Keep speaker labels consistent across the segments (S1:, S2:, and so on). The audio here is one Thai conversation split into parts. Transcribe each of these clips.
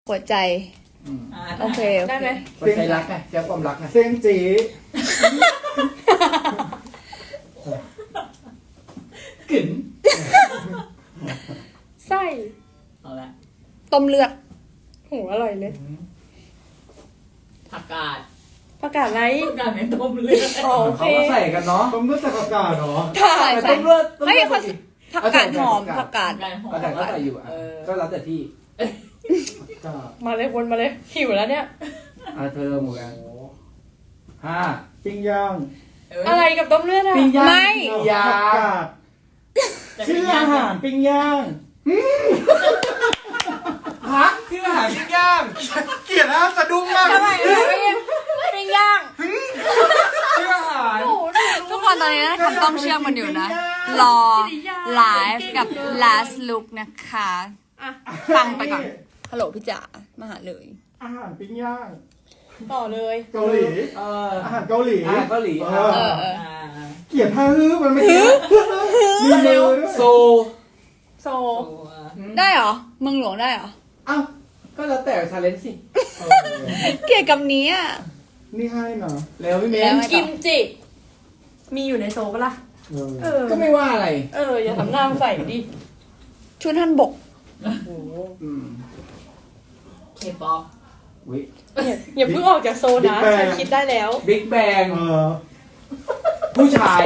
S1: หัวใจโอเค
S2: ได้ไหม
S3: หัวใจรักไงแจ้ความรักไง
S4: เส้นจี
S3: กึ๋น
S2: ไส้
S3: เอาละ
S1: ต้มเลือด
S2: โหอร่อยเลย
S3: ผักกาด
S2: อะไร
S3: ผักกาดในต้มเลือด
S2: โอเค
S3: เขาก็ใส่กันเนาะ
S4: ต้มเลือดจากอากาศเนาะ
S1: ใส่
S3: ต้มเลือด
S1: เฮ้ยเขาผักกาดหอมผักกาด
S3: ผักกาดก็ใส่อยู่อ่ะก็แล้วแต่ที่
S2: มาเลยวนมาเลยหิวแล้วเนี่ย
S3: เธอหมูกัน5
S4: ปิ้งย่าง
S2: อะไรกับต้มเลือดอะ
S3: ปิ้งย่าง
S1: ไม่
S3: ยา
S4: ชื่ออาหารปิ้งย่าง
S3: พักชื่ออาหารปิ้งย่างเกลียดนะสะดุ้งมาก
S1: ทำไมปิ้งย่าง
S3: ชื่ออาหาร
S1: ทุกคนตอนนี้นะทำต้มเชื่อมมันอยู่นะรอไลฟ์กับ last look นะคะฟังไปก่อนฮัลโหลพี่จ๋ามาหาเลย
S4: อาหารปิ้งย่าง
S2: ต่อเลย
S4: เกาหลีอาหารเกาหลีเกลียดท่าฮื้อมันไม่ฮื้อมีมือด้วย
S3: โซ
S1: ได้เหรอเมืองหลวงได้เหรอ
S3: อ้าวก็แล้วแต่ชาเลนจ์สิ
S1: เกลียดกับนี้อ่ะ
S4: นี่ให้นะ
S3: แล้วพี่เมย์
S2: กิมจิมีอยู่ในโซปะล่ะ
S3: ก็ไม่ว่าอะไร
S2: อย่าทำหน้าใส่ดิ
S1: ชุดท่านบก
S3: เคป๊อป
S2: อย่าเพิ่งออกจากโซนนะฉันคิดได้แล้ว
S3: บิ๊กแบงผู้ชาย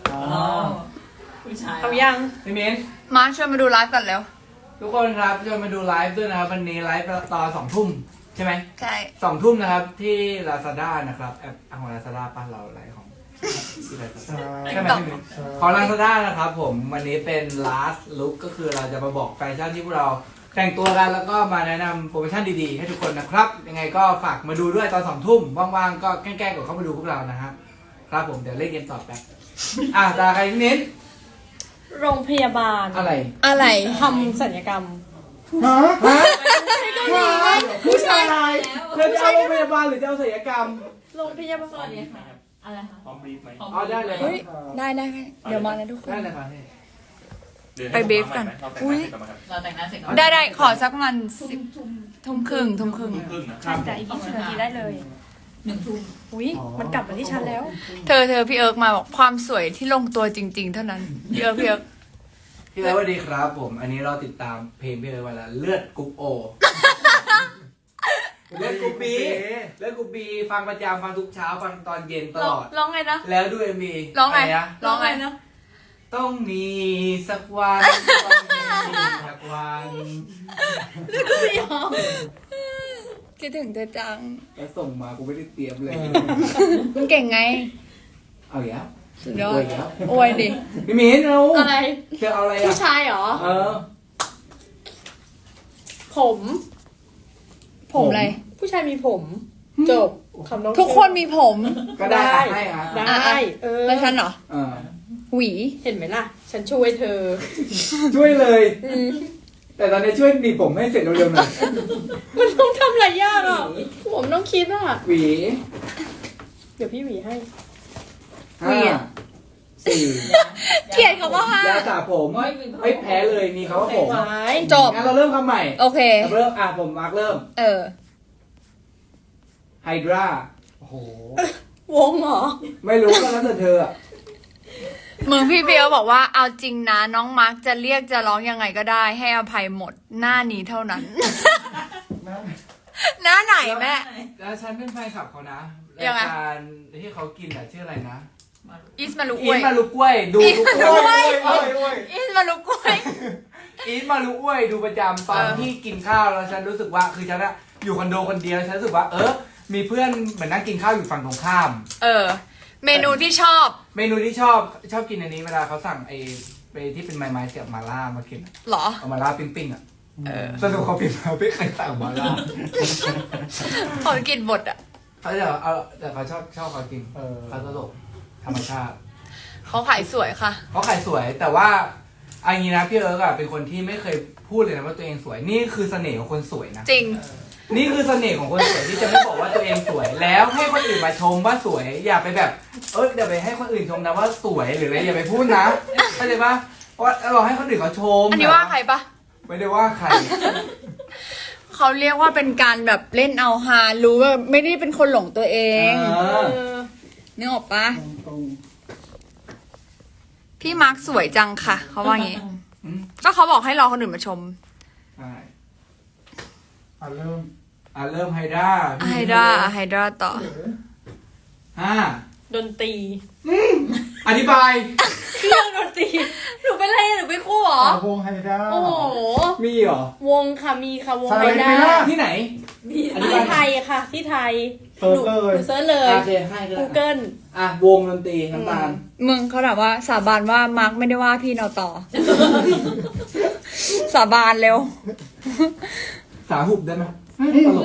S2: เอายัง
S3: พี่เมย์
S1: มาชวนมาดูไลฟ์กันแล้ว
S3: ทุกคนครับชวนมาดูไลฟ์ด้วยนะครับวันนี้ไลฟ์ตอน2 ทุ่มใช่ไหม
S1: ใช่
S3: 2 ทุ่มนะครับที่ Lazada นะครับแอปของ Lazada ป้าเราไลฟ์ของที่ Lazada ใช่ไหมพี่เมย์ของ Lazada นะครับผมวันนี้เป็น last look ก็คือเราจะมาบอกแฟชั่นที่พวกเราแต่งตัวกันแล้วก็มาแนะนำโปรโมชั่นดีๆให้ทุกคนนะครับยังไงก็ฝากมาดูด้วยตอน2 ทุ่มว่างๆก็แกล้งๆกดเข้ามาดูพวกเรานะฮะครับผมเดี๋ยวเล่นเกมต่อไปตาใครเน้น
S2: โรงพยาบาล
S1: อะไร
S2: ทำศัลยกรรม
S3: ผู้ชายเธอจะเอาโรงพยาบาลหรือจะเอาศัลยกรรม
S2: โรงพยาบาล
S3: อะไรคะพร้อมบีฟไหมได้เลย
S1: ได้เดี๋ยวมานะทุกคน
S3: ได้เลยค่ะ
S1: ไปเบฟกันอุ้ย
S3: เราแต่งหน้าเสร็จ
S1: ได้ขอสักประมาณ10 ทุ่มครึ่ง
S2: ใช่จ้ะอีก20 นาทีได้เลย1 ทุ่มอุ้ยมันกลับมาที่ฉันแล้ว
S1: เธอพี่เอิร์กมาบอกความสวยที่ลงตัวจริงๆเท่านั้นพี่เอิร์ก
S3: พี่เอิร์กสวัสดีครับผมอันนี้เราติดตามเพลงพี่เอิร์กมาแล้วเลือดกรุ๊ปโอเลือดกรุ๊ปบีฟังประจำฟังทุกเช้าฟังตอนเย็นตลอด
S1: ร้องไงนะ
S3: แล้วดูMV
S1: ร้องไงนะ
S3: ต้องมีสักวันสักวัน
S1: คิดถึงเธอจัง
S3: แล้วส่งมากูไม่ได้เตรียมเลย
S1: มันเก่งไง
S3: เอาอีกแล้ว
S1: สุดยอดโอ้ยดิ
S3: พี่มิ้นเอา
S2: อะไร
S3: เธอเอาอะไร
S2: ผู้ชายเหรอผม
S1: อะไร
S2: ผู้ชายมีผมจบคำน้อง
S1: ทุกคนมีผม
S3: ก็ได้
S2: ได้
S1: แล้วฉันเหรอหวี
S2: เห็นไหมล่ะฉันช่วยเธอ
S3: ช่วยเลยแต่ตอนนี้ช่วยหนีผมให้เสร็จเร็วๆหน่อย
S2: มันต้องทำหลายอย่างอ่ะผมต้องคิดอ่ะ
S3: หวี
S2: เดี๋ยวพี่หวีให้
S3: 5 4
S1: เกลียดคำว่า
S3: 5ยาสระผมไม่แพ้เลยมีเขาว่าผม
S1: จบ
S3: งั้นเราเริ่มคำใหม่
S1: โอเค
S3: เริ่มผมมาร์กเริ่มไฮดรา
S4: โอ้โห
S2: วงเหรอ
S3: ไม่รู้ก็แล้วแต่เธอ
S1: มึงพี่เบลบอกว่าเอาจริงนะน้องมาร์กจะเรียกจะร้องยังไงก็ได้ให้อภัยหมดหน้านี้เท่านั้นหน้าไหนแม่
S3: แล้วฉันเป็นแฟนคลับเขานะรายการที่เขากินชื่ออะไรนะ
S1: อีสมาลุก
S3: ล้วยดูทุกคน
S1: อีสมาลุกล้วย
S3: ดูประจำตอนที่กินข้าวแล้วฉันรู้สึกว่าคือฉันอยู่คอนโดคนเดียวฉันรู้สึกว่ามีเพื่อนเหมือนนั่งกินข้าวอยู่ฝั่งตรงข้าม
S1: เมนูที่ชอบ
S3: กินอันนี้เวลาเขาสั่งไปที่เป็นไม้เสียบมาล่ามากิน
S1: หรอ
S3: เอามาล่าปิ้งสนุกเขาปิ้งมาไม่เคยสั่งมาล่า
S1: เขากินบด
S3: เขาจะแต่เขาชอบเขากินเขาตลกธรรมชาติ
S1: เขาขายสวยค่ะ
S3: เขาขายสวยแต่ว่าอันนี้นะพี่เอิร์กเป็นคนที่ไม่เคยพูดเลยนะว่าตัวเองสวยนี่คือเสน่ห์ของคนสวยนะ
S1: จริง
S3: นี่คือเสน่ห์ของคนสวยที่จะไม่บอกว่าตัวเองสวยแล้วให้คนอื่นมาชมว่าสวยอย่าไปแบบอย่าไปให้คนอื่นชมนะว่าสวยหรืออะไรอย่าไปพูดนะเข้าใจปะเพราะเราให้คนอื่นเขาชม
S1: อันนี้ว่าใครปะ
S3: ไม่ได้ว่าใคร
S1: เขาเรียกว่าเป็นการแบบเล่นเอาฮารู้ว่าไม่ได้เป็นคนหลงตัวเอง นึกออกปะ
S4: ตรง
S1: พี่มาร์คสวยจังค่ะ เขาว่างี้
S3: อืม
S1: ก็เขาบอกให้รอคนอื่นมาชม
S3: ใช่
S4: เริ่ม
S3: เริ่มไฮด้า
S1: ไฮดราต่อ
S3: ห้า
S2: ดนตรี
S3: อธิบาย
S2: เครื่องดนตรีหนูเป็นอะไรหนูเป็นคู่เหรอ
S4: วงไฮด้า
S2: โอ้โห
S3: มีเหรอ
S2: วงค่ะมีค่ะวง
S4: ใช่
S2: ไฮด้า
S4: ไม่ได้
S3: ที่ไหน
S2: ที่ไทยค่ะ ที่ไทย
S4: เซิร์ชเลย
S2: หนูเซิร์ชเลย
S3: โอเคให้ก็ได้
S2: Google
S3: วงดนตรีน้ำตาล
S1: มึงเขาถามว่าสาบานว่ามาร์คไม่ได้ว่าพี่เราต่อ สาบานเร็ว
S3: สาหุบได้ไหมตลก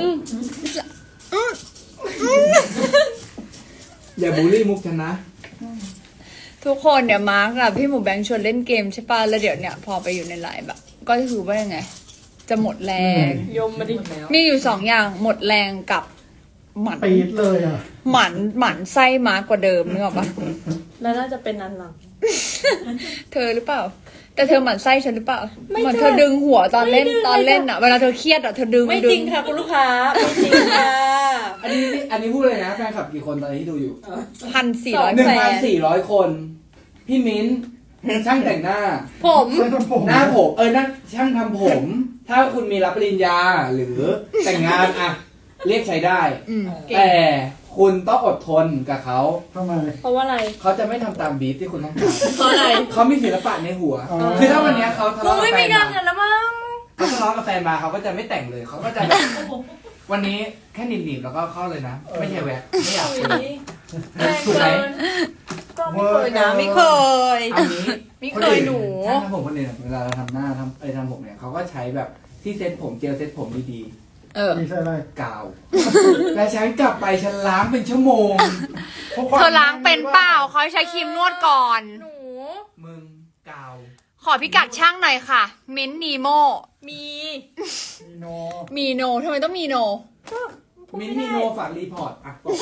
S3: อย่าบูลลี่มุกฉันนะ
S1: ทุกคนเนี่ยมาร์คกับพี่หมูแบงค์ชวนเล่นเกมใช่ป่ะแล้วเดี๋ยวเนี่ยพอไปอยู่ในไลน์แบบก็คือว่ายังไง จะหมดแรง
S2: ยมมาดิ
S1: มีอยู่สองอย่างหมดแรงกับหมัน
S4: ปี๊ดเลยอ่ะ
S1: หมันไส้มาร์คกว่าเดิมนึกออกปะ
S2: แล้วน่าจะเป็นอันหลัง
S1: เธอหรือเปล่า แต่เธอหมั่นไส้ฉันหรือเปล่า
S2: ไม่
S1: เหมือน
S2: ใช่
S1: เธอดึงหัวตอนเล่น
S2: ไม่ดึง
S1: ตอนเล่นอ่ะเวลาเธอเครียดอ่ะเธอดึง
S2: ไม่
S1: ดึ
S2: จริงค่ะคุณลูกค้าไม่จริงค่ะ
S3: อันนี้พูดเลยนะแฟนคลับกี่คนตอนนี้ที่ดูอยู่
S1: 1,400 แฟน
S3: 1,400 คน พี่มิ้นช่างแต่งหน้า
S2: ผม
S4: เส้นผม
S3: หน้าผมนั่นช่างทำผม ถ้าคุณมีรับปริญญาหรือแต่งงานอะเรียกใช้ได้
S1: อืม
S3: แต่คุณต้องอดทนกับเขา
S4: ทำไม
S2: เพราะว่าอะไร
S3: เขาจะไม่ทำตามบีทที่คุณต้องการ
S2: เพราะอะไร
S3: เขามีศิลปะในหัว
S4: อ๋อ
S3: คือถ้าวันเนี้ยเขาทะ
S2: กู
S3: เลาะกับ
S2: ไม่
S3: แฟ
S2: มี
S3: น
S2: งาน
S3: มา
S2: กันแล้วมั้ง
S3: เขาทะเลาะกับแฟนมาเขาก็จะไม่แต่งเลยเขาก็จะแบบวันนี้แค่หนีบๆแล้วก็เข้าเลยนะ ไม่ใช่แหวกไม่อยากเจอ
S2: แรง
S3: ถูกไหม
S2: เกินก็ไม่เคยนะไม่เคย
S3: อันนี้
S2: ไม่เคยหนู
S3: ช่างทำผมคนอื่นเวลาเราทำหน้าทำผมเนี่ยเขาก็ใช้แบบที่เซ็ตผมเจลเซ็ตผมดี
S1: เออ
S4: มีใช่อะไร
S3: ๆกาว และฉันกลับไปฉันล้างเป็นชั่วโมง
S1: เธอล้างเป็นเปล่าเขาให้ใช้ครีมนวดก่อน
S2: หนู
S3: มึงกาว
S1: ขอพิกัดช่างหน่อยค่ะ มิ้นท์นีโม
S2: มี
S4: มีโน
S1: มีโนทำไมต้องมีโน
S3: มินท์มีโนฝากรีพอร์ตอ่ะบอก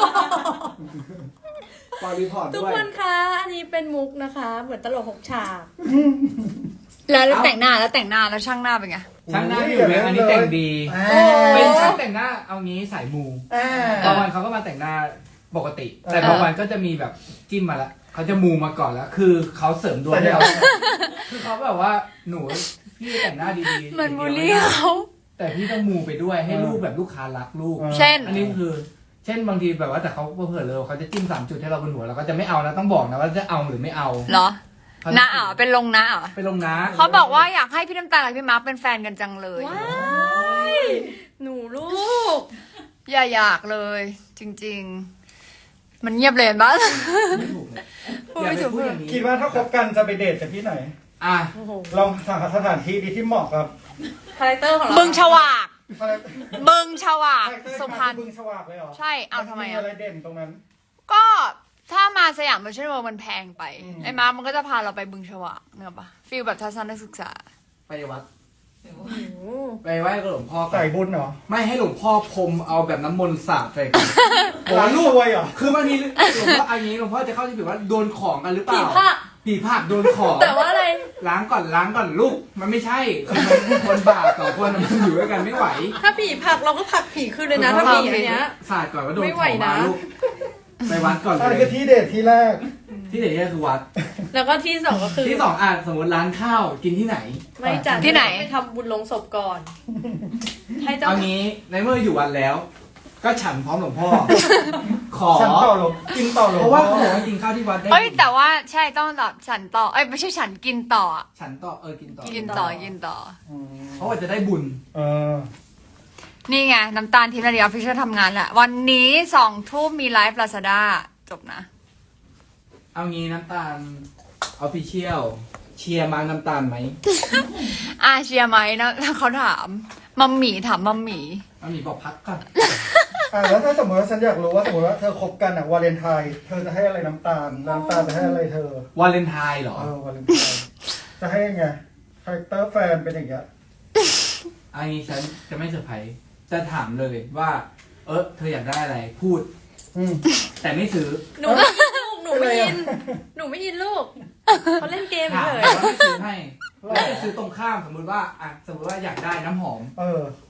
S3: ฝากรีพอร์ต
S2: ทุก
S3: ด้วย
S2: คนคะอันนี้เป็นมุกนะคะ เหมือนตลกหกฉาก
S1: แล้วแต่งหน้าแล้วช่างหน้าเป็นไง
S3: ช่างหน้าอยู่แบงอันนี้แต่งดี เป็นช่างแต่งหน้าเอางี้สายมูบางวันเขาก็มาแต่งหน้าปกติ แต่บางวันก็จะมีแบบจิ้มมาแล้วเขาจะมูมาก่อนแล้ว คือเขาเสริมดวงให้เราคือเขาแบบว่าหนูพี่แต่งหน้าดีๆ
S1: เหมือนบูลลี่เขา
S3: แต่พี่ต้องมูไปด้วยให้ลูกแบบลูกค้ารักลูก
S1: เช่น
S3: อันนี้คือ เช่นบางทีแบบว่าแต่เขาเผื่อเลยเขาจะจิ้ม3 จุดให้เราบนหัวเราก็จะไม่เอานะต้องบอกนะว่าจะเอาหรือไม่เอา
S1: เหรอน้าอ๋อเป็นลงน้าอ๋อ
S3: ไปลงนะ
S1: เขาบอกว่าอยากให้พี่น้ำตาลกับพี่มาร์คเป็นแฟนกันจังเลย
S2: ว้ายหนูลูก
S1: อย่าอยากเลย จริง ๆ มันเงียบเลยบ้าง
S3: ไม่ถูกเลย
S1: พูด
S3: อย่า
S1: ไม่
S3: ไป
S1: ถูก
S3: พูดอย่างนี้
S4: คิดว่าถ้าคบกันจะไปเดทกันที่ไหน
S3: อ่ะ
S2: โอ้โห
S4: ลองหาสถานที่ดีที่เหมาะกับ
S2: คาแรคเตอร์ของเรา
S1: บึงฉวาก
S4: อะไร
S1: บึงฉวาก
S4: คาแรคเตอร์
S1: สุพรรณ
S4: บึงฉวากเลยเหรอ
S1: ใช่เอาทำไม
S4: น
S1: อ่ะ
S4: อะไรเด่นตรงนั้น
S1: ก็ถ้ามาสยามมิชชั่นเวิลด์มันแพงไป
S4: อืม
S1: ไอ้มาร์คมันก็จะพาเราไปบึงฉวากเนอะปะฟีลแบบทัศนศึกษา
S3: ไปวัด
S2: โอ้โห
S3: ไปไหว้กับหลวงพ่อก่อน
S4: ใส่บุญเหรอ
S3: ไม่ให้หลวงพ่อพรมเอาแบบน้ำมนต์สาดใส่กัน
S4: ร้านรวยเหรอ
S3: คือบางทีหลวงพ่ออันนี้หลวงพ่อจะเข้าใจผิดว่าโดนของกันหรือเป
S2: ผี
S3: ล่า
S2: ผ้า
S3: ผีผลักโดนของ
S2: แต่ว่าอะไร
S3: ล้างก่อนลูกมันไม่ใช่คือมันคนบาป2 คนมันอยู่ด้วยกันไม่ไหว
S2: ถ้าผีผลักเราก็ผลักผีขึ้นเลยนะ ถ้าผีอันเนี้ย
S3: สาดก่อนว่าโดน
S2: ไม่
S3: ข
S2: ไหว
S3: องมา
S2: นะ
S3: ลูกไปวัดก่อน
S4: อัน
S3: เล
S4: นี้
S3: ย
S4: คือที่เดทที่แรก
S3: ที่ไหนเนี่ยคือวัด
S2: แล้วก็ที่สองก็คือ
S3: ที่ 2อ่ะสมมติร้านข้าวกินที่ไหน
S2: ไม่จัด
S1: ที่ไหน
S2: ไปทำบุญลงศพก่อน ให้เจ้า
S3: เอางี้ในเมื่ออยู่วัดแล้ว ก็ฉันพร้อมหลวงพ่อ ขอ
S4: ฉันต่อหลงกินต่อหลง
S3: เพราะว่าเขาบอกว่ากินข้าวที่วัดได้
S1: เอ้ยแต่ว่าใช่ต้องแบบฉันต่อเอ้ยไม่ใช่ฉันกินต่ออะ
S3: ฉันต่อกินต่อ
S1: กินต่อกินต่อ
S4: อืม
S3: เพราะว่าจะได้บุญ
S4: เออ
S1: นี่ไงน้ำตาลทีมนาฬิกาฟิชเชอร์ทำงานแหละวันนี้2 ทุ่มมีไลฟ์ลาซาด้าจบนะ
S3: เอางี้น้ำตาลออฟฟิเชียลเชียร์มาน้ำตาลไหม
S1: เชียร์ไหมนะเขาถามมัมหมี่ถามมัมหมี่
S3: เอาหมีบอกพักก่อน
S4: แล้วถ้าสมมติว่าฉันอยากรู้ว่าสมมติว่าเธอคบกันอะวาเลนไทน์เธอจะให้อะไรน้ำตาลน้ำตาลจะให้อะไรเธอ
S3: วาเลนไทน์เหรอ
S4: วาเลนไทน์จะให้ยังไงคาแรคเตอร์แฟนเป็นอย่างเงี้ย
S3: อันนี้ฉันจะไม่เซอร์ไพรส์จะถามเลยว่า เธออยากได้อะไรพูด
S4: อืม
S3: แต่ไม่ซื้อ
S2: หนูไม่อินลูก หนูไม่อิน หนูไม่อินลูกเขาเล่นเกม
S3: ถาม
S2: เฉย
S3: แต่ว่าไม่ซื้อให้แล้วจะซื้อตรงข้ามสมมติว่าสมมติว่าอยากได้น้ำหอม
S4: เออ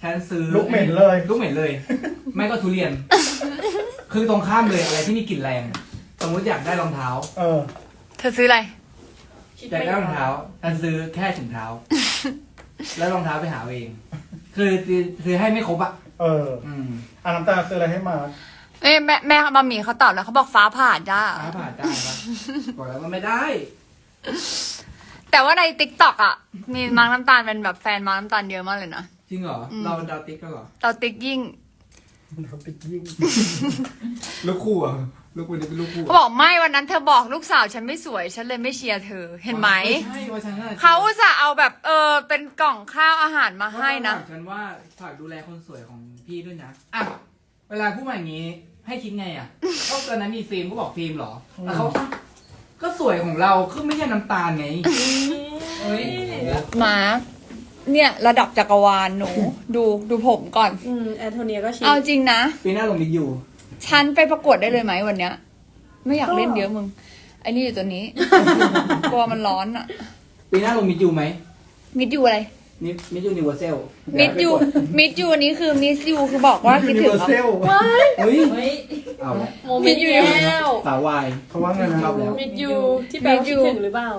S3: ฉันซื้อ
S4: ลูกเหม็นเลย
S3: ลูกเหม็นเลย ไม่ก็ทุเรียน คือตรงข้ามเลยอะไรที่มีกลิ่นแรง สมมติอยากได้รองเท้า
S1: เธอซื้ออะไร
S3: อยากได้รองเท้าฉันซื้อแค่ถุงเท้า แล้วรองเท้าไปหาเอง คือให้ไม่ครบอ่ะ
S4: น้ำตาลซื้ออะไรให้มา
S1: แม่บะหมี่เขาตอบแล้วเขาบอกฟ้าผ่าจ้า
S3: ฟ้าผ่าได้ปะบอกแล้วมันไม่ได้
S1: แต่ว่าในติ๊กต็อกอ่ะ มีมาร์กน้ำตาลเป็นแบบแฟนมาร์กน้ำตาลเยอะมากเลยนะ
S3: จริงเหรอ เราดาวติ๊กก็เหรอ
S1: เราติ๊กยิ่ง
S4: เขาไปยิ่ง
S3: ลูกคู่อ่ะลูกคู่นี้เป็นลูกคู่
S1: เขาบอกไม่วันนั้นเธอบอกลูกสาวฉันไม่สวยฉันเลยไม่เชียร์เธอเห็นไหม
S3: ใช่ว่าฉันน่ะ
S1: เขาจะเอาแบบเป็นกล่องข้าวอาหารมาให้นะ
S3: ฉันว่าฝากดูแลคนสวยของพี่ด้วยนะอ่ะเวลาพูดมาอย่างนี้ให้คิดไงอ่ะก็ตอนนั้นมีฟิล์มก็บอกฟิล์มเหรอแล้วเขาก็สวยของเราคือไม่ใช่น้ำตาลไงเฮ้ย
S1: มาร์กเนี่ยระดับจักรวาลหนู ดูผมก่อน
S2: แอนโทเนียก็ชี้
S1: เอาจริงนะ
S3: ปีหน้าลงมิดอยู่
S1: ฉันไปประกวดได้เลยไหมวันเนี้ย ไม่อยากเล่นเยอะมึงไอ้นี่อยู่ตัวนี้ กลัวมันร้อนอ่ะ
S3: ปีหน้าลงมิดอยู่ไหม
S1: มิดยูอะไร
S3: มิดยูนิเวอร์แซล
S1: มิดยูอันนี้คือมิสยูคือบอกว่าคิดถึง
S4: เซล
S3: เฮ้ยเอาละ
S2: โมมิดยูแล้ว
S3: สาววาย
S4: เขาว่าไงนะ
S3: ชอบแล้ว
S2: มิดยูที่แปลว่าคิดถึงหรือเปล่า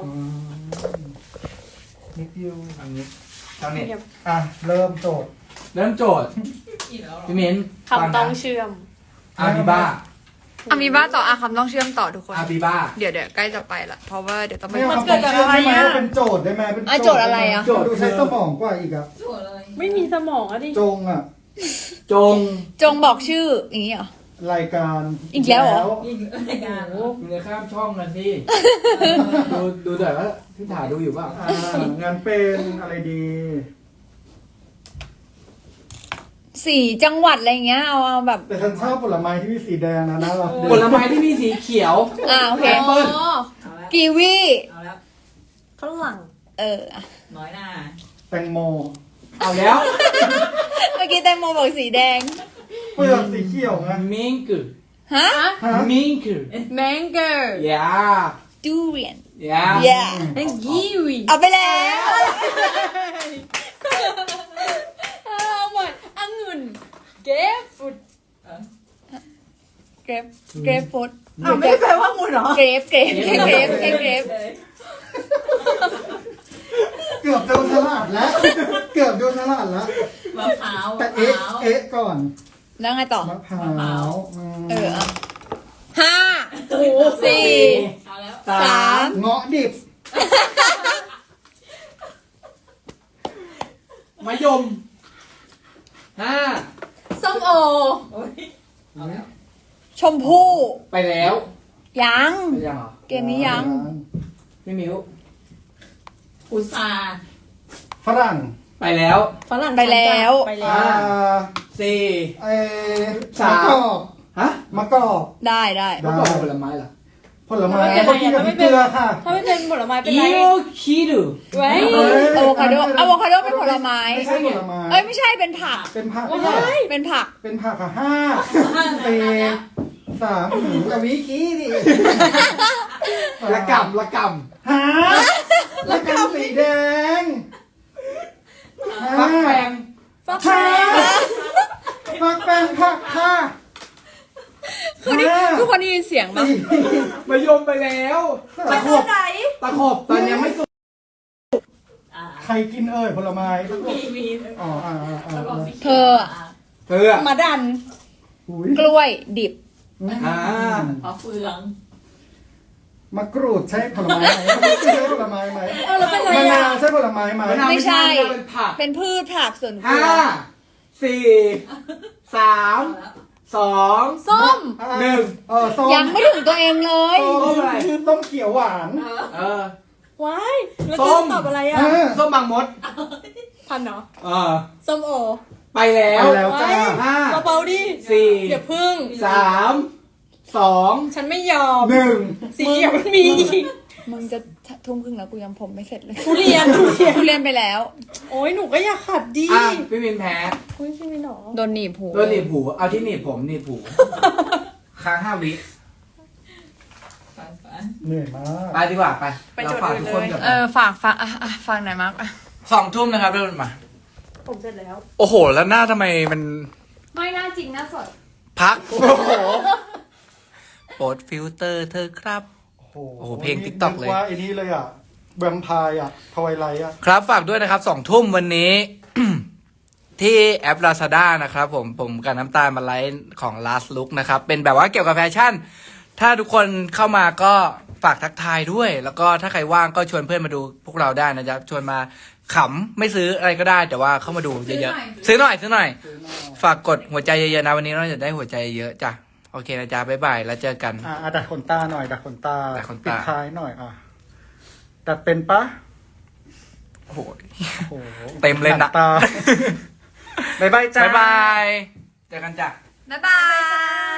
S4: นิดเดียว
S3: อันนี้ชาวเน็ต
S4: เริ่มโจทย์
S3: เริ่มโจทย์พี่มิ้น
S2: คำต้องเชื่อม
S3: อาบิบ้า
S1: อามีบ้าต่อคำต้องเชื่อมต่อทุกคน
S3: อาบิบ้า
S1: เดี๋ยวใกล้จะไปละเพราะว่าเดี๋ยวต้องไป
S4: ไม่เอาคำตอบเชื่อมได้ไหมเป็นโจทย์ได้ไหมเป็น
S1: โจทย์อะไรอะ
S4: โจทย์ดูใช้สมองกว่าอีกอะ
S2: ไม่มีสมองอะดิ
S4: จงอะ
S3: จง
S1: จงบอกชื่ออย่างนี้เหรอ
S4: รายการ
S1: อีกแล้วเหรอ
S3: มึงจะข้ามช่องกันที่ ดูแต่ว่าพี่ถาดูอยู่เปล่า
S4: งานเป็นอะไรดี
S1: 4 จังหวัดอะไรเงี้ยเอาแบบ
S4: แต่ฉันชอบผลไม้ที่มีสีแดงนะน่ารักดี
S3: ผลไม้ที่มีสีเขียว
S1: โอเค
S3: แอปเปิ้ล
S1: กีวี
S5: เอาแล้ว
S2: ฝรั่ง
S5: น้อยหน้า
S4: แตงโม
S3: เอาแล้ว
S1: เมื่อกี้แตงโมบอกสีแดง
S4: เปลือกสีเขียวไง
S3: มิงกือ
S1: ฮะ
S4: ฮะ
S3: มิงกือ
S2: mango
S3: ยา
S1: ดูเรียน
S3: ยา
S1: yeah
S2: and kiwi
S1: เอาไปแล้ว
S2: เอาใหม่องุ่นเกฟฟุต
S1: เกรฟฟูด
S5: ไม่ได้แปลว่างูเหรอ
S1: เกรฟแค่เกรฟ
S4: เกือบโดนฉลาดแล้ว เกือบโดนฉลาดแล้ว
S5: มะพร้าว
S4: แต่
S5: มะพร้าว
S4: เอ๊ะก่อน
S1: แล้วไงต่อ
S4: มะพร้าว
S1: 5 4
S5: เอาแล้ว
S1: 3
S4: เงาะดิบ
S3: มะยม5
S2: ส้มโอ
S5: เอาแล้ว
S1: ชมพู่
S3: ไปแล้ว
S1: ยัง
S3: ไปยังเหรอ
S1: เกมนี้ยัง
S3: พี่มิว
S5: อุตสาห์
S4: ฝรั่ง
S3: ไปแล้ว
S2: ฝรั่ง
S1: ไปแล้ว
S2: ไป
S3: อ่า
S2: แล้ว
S3: 4
S4: มะกอก
S3: ฮะ
S4: มะกอก
S1: ได้
S3: มะกอกเป็นผลไม้เหรอ
S4: ผลไม้เขากินกับพริกเกลือค่ะ
S2: ถ้าไม่เป็นผลไม้เป็น
S3: อิ
S2: ไร
S3: โอคิรุ
S2: ไว้
S1: อะโวคาโดเป็นผลไม้
S4: ไม่ใช่ผลไม้
S1: เอ้ยไม่ใช่เป็นผัก
S4: เป็นผัก
S1: เป็นผัก
S4: เป็นผักค่ะ5 4 3จะวิคีดิ
S3: ละกำ
S4: หาแล้วกันสีแดง
S3: ฟักแฟง
S2: ฟัก
S4: ค่ะ
S2: แฟ
S4: ผักแป้งผักค่ะ
S1: คือนี่ทุกคนได้ยินเสียงปะ
S3: มะยมไปแล้ว
S4: ตะขบ
S3: ตะขบตอนยังไม่สุก
S4: ใครกินเอ่ยผลไม้
S5: มี
S4: อ๋อ
S5: แล้วก็สี
S1: เธอ
S3: เธออะ
S1: มาดัน
S4: อุ้ย
S1: กล้วยดิบ
S3: อ่า
S5: มะเฟือง
S4: มะกรูดใช่ผลไม้ไหมไม่ใช่ผลไม้ไหม
S2: เอาแล้วเป็นไร
S4: มะนา
S2: อ่ะ
S4: วใช่ผลไม้ไหม
S3: มะนาว
S1: ไม่ใช่
S3: เป็นผัก
S1: เป็นพืชผักส่วนครั
S3: 5
S1: ว
S3: 4 3 2
S2: ส้ม
S3: 1
S4: ส้ม
S1: ยังไม่ถึงตัวเองเลย
S3: ส้มอะไร
S4: ส้มเขียวหวาน
S3: เออ
S2: ว้ายแล้ว
S3: ส้
S2: จะ
S3: ม
S2: ตอบอะไรอ่ะ
S3: ส้มบางมด
S2: พันเนาะ
S3: เออ
S2: ส้มโอ
S3: ไปแล้ว
S4: ไปแล้วจ้า
S3: ห้า
S2: เบาๆดิ
S3: สี่
S2: อย่าพึ่ง
S3: 3 2
S2: ฉันไม่ยอม
S3: 1
S2: สีเขียวมันมีอีก
S1: มึงจะทุ่มครึ่งแล้วกูยังผมไม่เสร็จเลย
S2: ทุเรียน
S1: ทุเรียนไปแล้ว
S2: โอ้ยหนูก็อยากขัดดิ
S3: อ่ะพี่มินแพ้
S2: อุ้ยพี่มินหรอ
S1: โดนหนีบหู
S3: โดนหนีบหูเอาที่หนีบผมหนีบหูค้าง5 วิ
S5: ฝัน
S4: เหนื่อยมาก
S3: ไปดีกว่าไปเราฝากทุกคนกับ
S1: ฝากฟังหน่อยมาก
S3: 2 ทุ่มนะครับเริ่มมา
S2: ผมเสร็จแล้ว
S3: โอ้โห แล้วหน้าทำไมมัน
S2: ไม่น่าจริงน่าสด
S3: พัก โอ้โหโปรดฟิลเตอร์เธอครับ
S4: โอ้
S3: โอ้โหเพลง TikTok เลย
S4: ว่าไอ้นี่เลยอ่ะแวมไพร์อ่ะทวายไลท์อ่ะ
S3: ครับฝากด้วยนะครับ2 ทุ่มวันนี้ ที่แอป Lazada นะครับผมกับน้ำตาลมาไลฟ์ของ Last Look นะครับ เป็นแบบว่าเกี่ยวกับแฟชั่น ถ้าทุกคนเข้ามาก็ฝากทักทายด้วย แล้วก็ถ้าใครว่างก็ชวนเพื่อนมาดูพวกเราได้นะจ๊ะชวนมาขำไม่ซื้ออะไรก็ได้ แต่ว่าเข้ามาดูเยอะๆซื้อหน่อย ฝากกดหัวใจเยอะๆนะวันนี้เราจะได้หัวใจเยอะจ้ะโอเคนะจ๊ะบ๊ายบายแล้วเจอกัน
S4: ดัดขนตาหน่อยดัดขนตา
S3: ดัดขนตา
S4: ปิดท้ายหน่อยดัดเป็นปะ
S3: โอ้โห
S4: โอ้โห
S3: เต็มเลยนะ
S4: หกตา บ๊ายบายจ้า
S3: บ๊ายบายเจอกันจ้ะ
S1: บ๊ายบาย